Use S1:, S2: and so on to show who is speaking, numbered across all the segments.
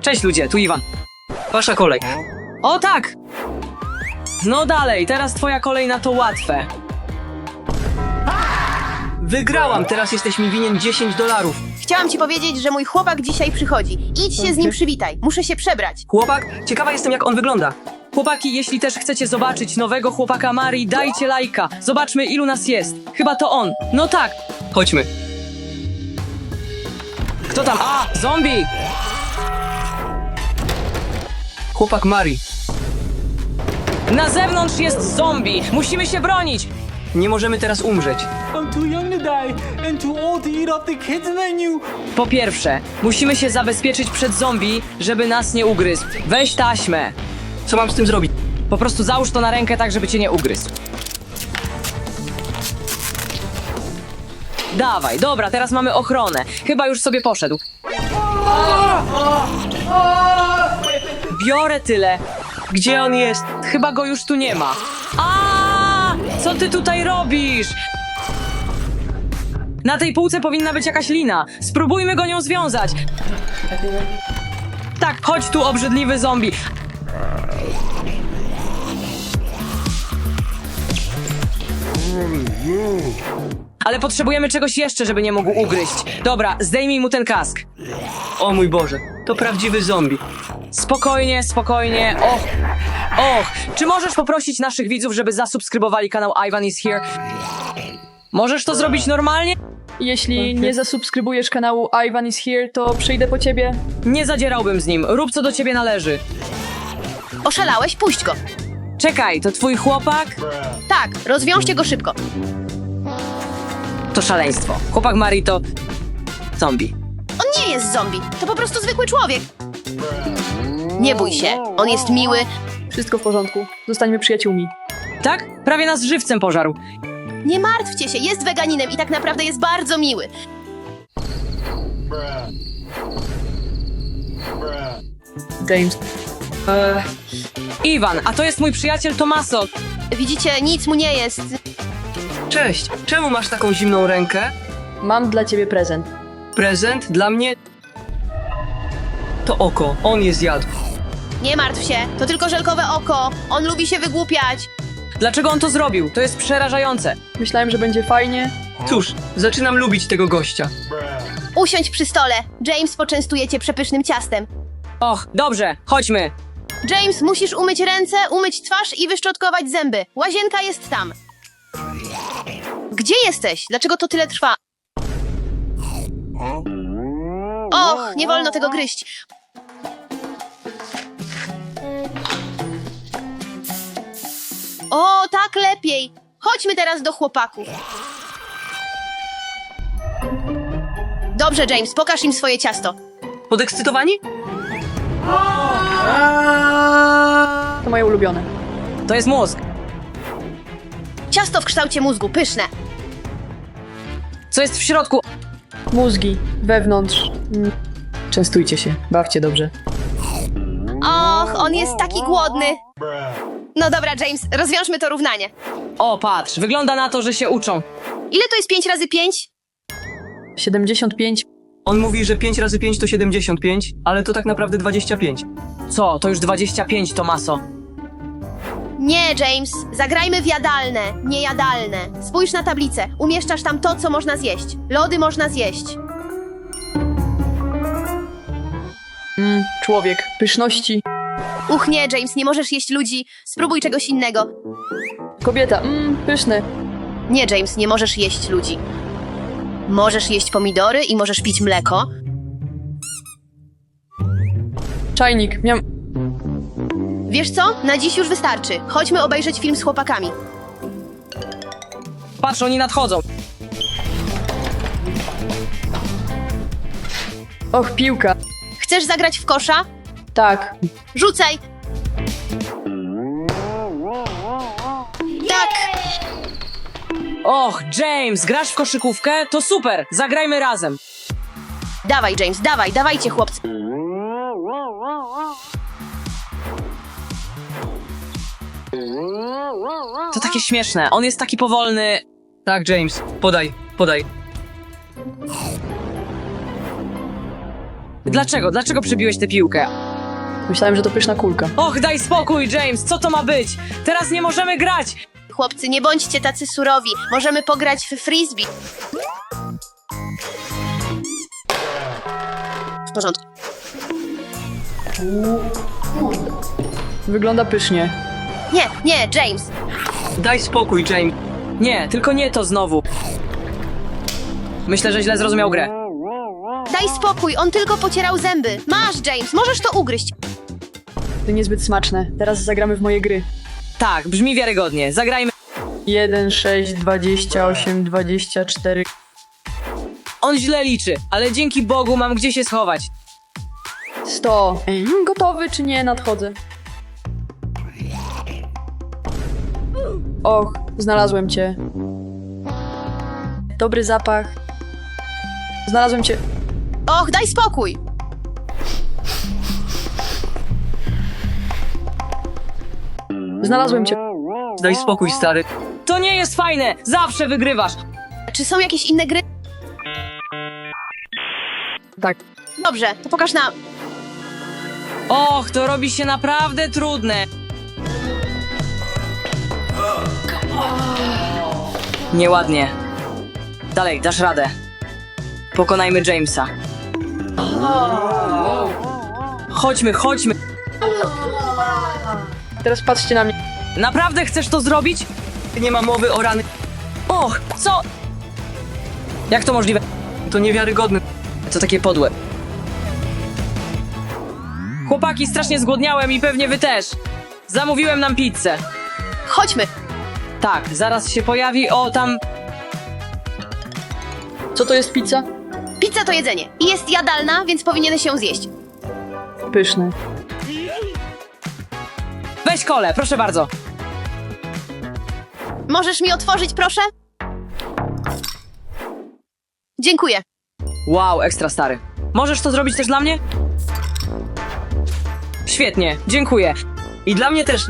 S1: Cześć ludzie, tu Iwan. Wasza kolej. O tak! No dalej, teraz twoja kolej na to łatwe. Wygrałam, teraz jesteś mi winien $10.
S2: Chciałam ci powiedzieć, że mój chłopak dzisiaj przychodzi. Idź się z nim przywitaj. Muszę się przebrać.
S1: Chłopak? Ciekawa jestem, jak on wygląda. Chłopaki, jeśli też chcecie zobaczyć nowego chłopaka Marii, dajcie lajka. Zobaczmy, ilu nas jest. Chyba to on. No tak. Chodźmy. Kto tam? A, zombie! Chłopak Marii. Na zewnątrz jest zombie. Musimy się bronić. Nie możemy teraz umrzeć.
S3: I'm too young to die and too old to eat off the kids' menu.
S1: Po pierwsze, musimy się zabezpieczyć przed zombie, żeby nas nie ugryzł. Weź taśmę. Co mam z tym zrobić? Po prostu załóż to na rękę tak, żeby cię nie ugryzł. Dawaj, dobra, teraz mamy ochronę. Chyba już sobie poszedł. Biorę tyle. Gdzie on jest? Chyba go już tu nie ma. Co ty tutaj robisz? Na tej półce powinna być jakaś lina. Spróbujmy go nią związać. Tak, chodź tu, obrzydliwy zombie. Ale potrzebujemy czegoś jeszcze, żeby nie mógł ugryźć. Dobra, zdejmij mu ten kask. O mój Boże, to prawdziwy zombie. Spokojnie, spokojnie. Och, czy możesz poprosić naszych widzów, żeby zasubskrybowali kanał Ivan is Here? Możesz to zrobić normalnie?
S4: Jeśli nie zasubskrybujesz kanału Ivan is Here, to przyjdę po ciebie.
S1: Nie zadzierałbym z nim. Rób co do ciebie należy.
S2: Oszalałeś? Puść go.
S1: Czekaj, to twój chłopak?
S2: Tak, rozwiążcie go szybko.
S1: To szaleństwo. Chłopak Marii to... zombie.
S2: On nie jest zombie. To po prostu zwykły człowiek. Nie bój się. On jest miły.
S4: Wszystko w porządku. Zostańmy przyjaciółmi.
S1: Tak? Prawie nas żywcem pożarł.
S2: Nie martwcie się. Jest weganinem i tak naprawdę jest bardzo miły.
S4: James.
S1: Iwan, a to jest mój przyjaciel Tomaso.
S2: Widzicie, nic mu nie jest.
S1: Cześć, czemu masz taką zimną rękę?
S4: Mam dla ciebie prezent.
S1: Prezent dla mnie? To oko, on je zjadł.
S2: Nie martw się. To tylko żelkowe oko. On lubi się wygłupiać.
S1: Dlaczego on to zrobił? To jest przerażające.
S4: Myślałem, że będzie fajnie.
S1: Cóż, zaczynam lubić tego gościa.
S2: Usiądź przy stole. James poczęstuje cię przepysznym ciastem.
S1: Och, dobrze, chodźmy.
S2: James, musisz umyć ręce, umyć twarz i wyszczotkować zęby. Łazienka jest tam. Gdzie jesteś? Dlaczego to tyle trwa? Och, nie wolno tego gryźć. O, tak lepiej. Chodźmy teraz do chłopaków. Dobrze, James, pokaż im swoje ciasto.
S1: Podekscytowani?
S4: To moje ulubione.
S1: To jest mózg.
S2: Ciasto w kształcie mózgu, pyszne.
S1: Co jest w środku?
S4: Mózgi. Wewnątrz. Częstujcie się. Bawcie dobrze.
S2: Och, on jest taki głodny. No dobra, James, rozwiążmy to równanie.
S1: O, patrz, wygląda na to, że się uczą.
S2: Ile to jest 5 razy 5?
S4: 75.
S1: On mówi, że 5 razy 5 to 75, ale to tak naprawdę 25. Co? To już 25, Tomaso.
S2: Nie, James, zagrajmy w jadalne, niejadalne. Spójrz na tablicę, umieszczasz tam to, co można zjeść. Lody można zjeść.
S4: Człowiek. Pyszności.
S2: Uch nie, James, nie możesz jeść ludzi. Spróbuj czegoś innego.
S4: Kobieta. Pyszne.
S2: Nie, James, nie możesz jeść ludzi. Możesz jeść pomidory i możesz pić mleko.
S4: Czajnik. Miam.
S2: Wiesz co? Na dziś już wystarczy. Chodźmy obejrzeć film z chłopakami.
S1: Patrz, oni nadchodzą.
S4: Och, piłka.
S2: Chcesz zagrać w kosza?
S4: Tak.
S2: Rzucaj! Tak!
S1: Och, James, grasz w koszykówkę? To super, zagrajmy razem.
S2: Dawaj, James, dawaj, dawajcie, chłopcy.
S1: To takie śmieszne, on jest taki powolny. Tak, James, podaj. Dlaczego? Dlaczego przybiłeś tę piłkę?
S4: Myślałem, że to pyszna kulka.
S1: Och, daj spokój, James, co to ma być? Teraz nie możemy grać!
S2: Chłopcy, nie bądźcie tacy surowi. Możemy pograć w frisbee. W porządku.
S4: Wygląda pysznie.
S2: Nie, James.
S1: Daj spokój, James. Nie, tylko nie to znowu. Myślę, że źle zrozumiał grę.
S2: Daj spokój, on tylko pocierał zęby. Masz, James, możesz to ugryźć.
S4: To niezbyt smaczne. Teraz zagramy w moje gry.
S1: Tak, brzmi wiarygodnie. Zagrajmy.
S4: 1, 6, 28, 24.
S1: On źle liczy, ale dzięki Bogu mam gdzie się schować.
S4: 100. Gotowy czy nie? Nadchodzę. Och, znalazłem cię. Dobry zapach. Znalazłem cię.
S2: Och, daj spokój.
S4: Znalazłem cię.
S1: Daj spokój, stary. To nie jest fajne! Zawsze wygrywasz!
S2: Czy są jakieś inne gry?
S4: Tak.
S2: Dobrze, to pokaż nam.
S1: Och, to robi się naprawdę trudne. Nieładnie. Dalej, dasz radę. Pokonajmy Jamesa. Chodźmy, chodźmy.
S4: Teraz patrzcie na mnie.
S1: Naprawdę chcesz to zrobić? Nie ma mowy o rany. Och, co? Jak to możliwe? To niewiarygodne. To takie podłe. Chłopaki, strasznie zgłodniałem i pewnie wy też. Zamówiłem nam pizzę.
S2: Chodźmy.
S1: Tak, zaraz się pojawi. O, tam...
S4: Co to jest pizza?
S2: Pizza to jedzenie i jest jadalna, więc powinieneś ją zjeść.
S4: Pyszne.
S1: Weź kolę, proszę bardzo.
S2: Możesz mi otworzyć, proszę? Dziękuję.
S1: Wow, ekstra stary. Możesz to zrobić też dla mnie? Świetnie, dziękuję. I dla mnie też.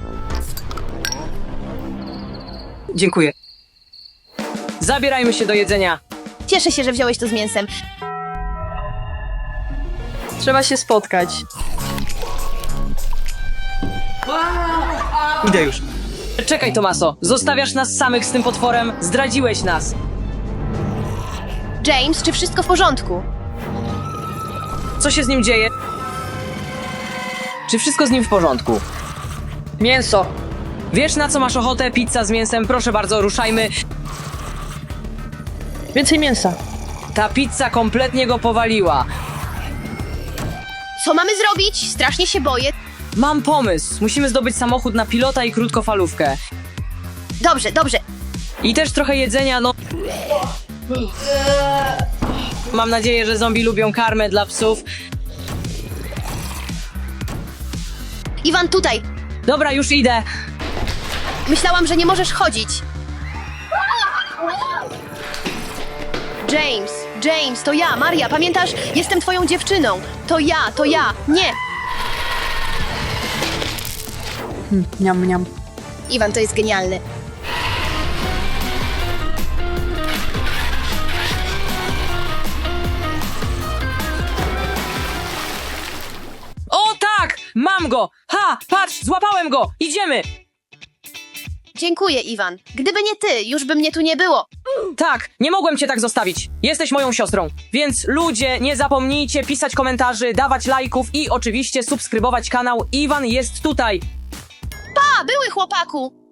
S1: Dziękuję. Zabierajmy się do jedzenia.
S2: Cieszę się, że wziąłeś to z mięsem.
S4: Trzeba się spotkać.
S1: Idę już. Czekaj, Tomaso. Zostawiasz nas samych z tym potworem? Zdradziłeś nas.
S2: James, czy wszystko w porządku?
S1: Co się z nim dzieje? Czy wszystko z nim w porządku?
S4: Mięso.
S1: Wiesz, na co masz ochotę? Pizza z mięsem? Proszę bardzo, ruszajmy.
S4: Więcej mięsa.
S1: Ta pizza kompletnie go powaliła.
S2: Co mamy zrobić? Strasznie się boję.
S1: Mam pomysł. Musimy zdobyć samochód na pilota i krótkofalówkę.
S2: Dobrze, dobrze.
S1: I też trochę jedzenia, no... Mam nadzieję, że zombie lubią karmę dla psów.
S2: Iwan, tutaj.
S1: Dobra, już idę.
S2: Myślałam, że nie możesz chodzić. James, to ja, Maria, pamiętasz? Jestem twoją dziewczyną. To ja. Nie.
S4: Niam, niam.
S2: Iwan, to jest genialne.
S1: O tak! Mam go! Ha! Patrz, złapałem go! Idziemy!
S2: Dziękuję, Iwan. Gdyby nie ty, już by mnie tu nie było.
S1: Tak, nie mogłem cię tak zostawić. Jesteś moją siostrą. Więc ludzie, nie zapomnijcie pisać komentarzy, dawać lajków i oczywiście subskrybować kanał. Iwan jest tutaj.
S2: Pa, były chłopaku.